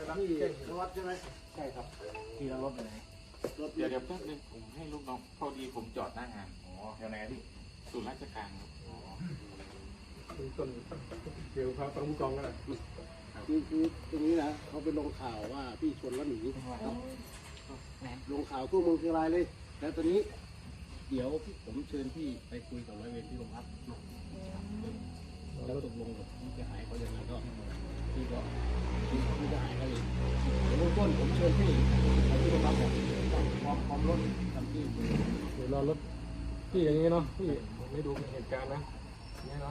ที่นวัดใช่ไหมใช่ครับที่เรารถไปไหนรถเดี๋ยวแป๊บนึงผมให้ลูกน้องพอดีผมจอดหน้างานอ๋อแถวไหนพี่ศูนย์ราชการครับอ๋อต้นเกี่ยวพระประมุกองก็ได้คือตรงนี้นะเขาไปลงข่าวว่าพี่ชนแล้วหนีลงข่าวทั่วเมืองเชียงรายเลยแล้วตอนนี้เดี๋ยวผมเชิญพี่ไปคุยกับร้อยเวรที่โรงพักแล้วตกลงกับผู้เสียหายเขาอย่างไรก็พี่ก็ผู้เสียหายเขาเองเดี๋ยวเบื้องต้นผมเชิญพี่ไปที่โรงพักก่อนพร้อมรถทำที่เดี๋ยวรอรถพี่อย่างนี้เนาะพี่ไม่ดูเหตุการณ์นะนี่เนาะ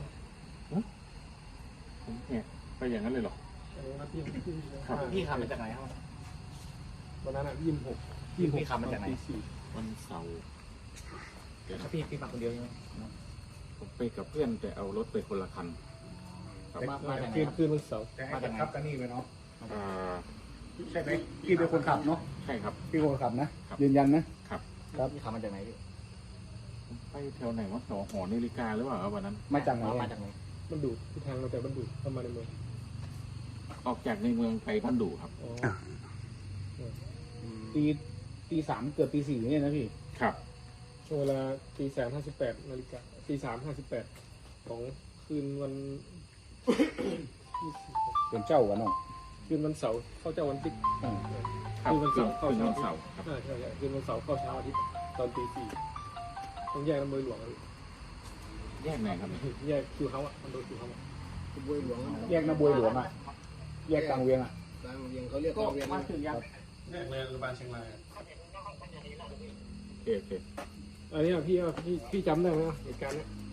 ผมแหกไปอย่างนั้นเลยเหรออันนี้นะพี่พี่ขับมาจากไหนครับวันนั้นอ่ะ26 พี่ขับมาจากไหนวันเสาร์เดี๋ยวนะพี่มาคนเดียวใช่ไหมผมไปกับเพื่อนแต่เอารถไปคนละคันครับมาจากไหนคืนวันเสาร์มาจากครับกันนี่ไปเนาะอ่าใช่ไหมพี่เป็นคนขับเนาะใช่ครับพี่คนขับนะครับ ยืนยันนะครับ ครับพี่ขับมาจากไหนพี่ผมไปแถวไหนวะแถวหอนาฬิกาหรือเปล่าครับวันนั้นมาจากไหนมาจากไหนมันดูที่ทางเราแต่มันดูเข้ามาในเมืองออกจากในเมืองไปบ้านดูครับอ๋อตีสามเกือบตีสี่เนี่ยนะพี่ครับช่วงเวลา3:58 นาฬิกา3:58ของคืนวันเป็นเจ้ากันเนาะคืนวันเสาร์เข้าเจ้าวันอาทิตย์ครับคืนวันเสาร์เข้าคืนเช้าวันเสาร์ครับใช่คืนวันเสาร์เข้าเช้าอาทิตย์ตอนตี 4ต้องแยกน้ำมือหลวงแยกไหนครับแยกคิวเขาอ่ะมันโดนคิวเขาอ่ะบวยหลวงแยกนะบวยหลวงอ่ะแยกกลางเวียงอ่ะกลางเวียงเขาเรียกกลางเวียงมาถึงยังแยกเลยโรงพยาบาลเชียงรายโอเคอันนี้พี่จำได้ไหมเหตุการณ์เนี้ย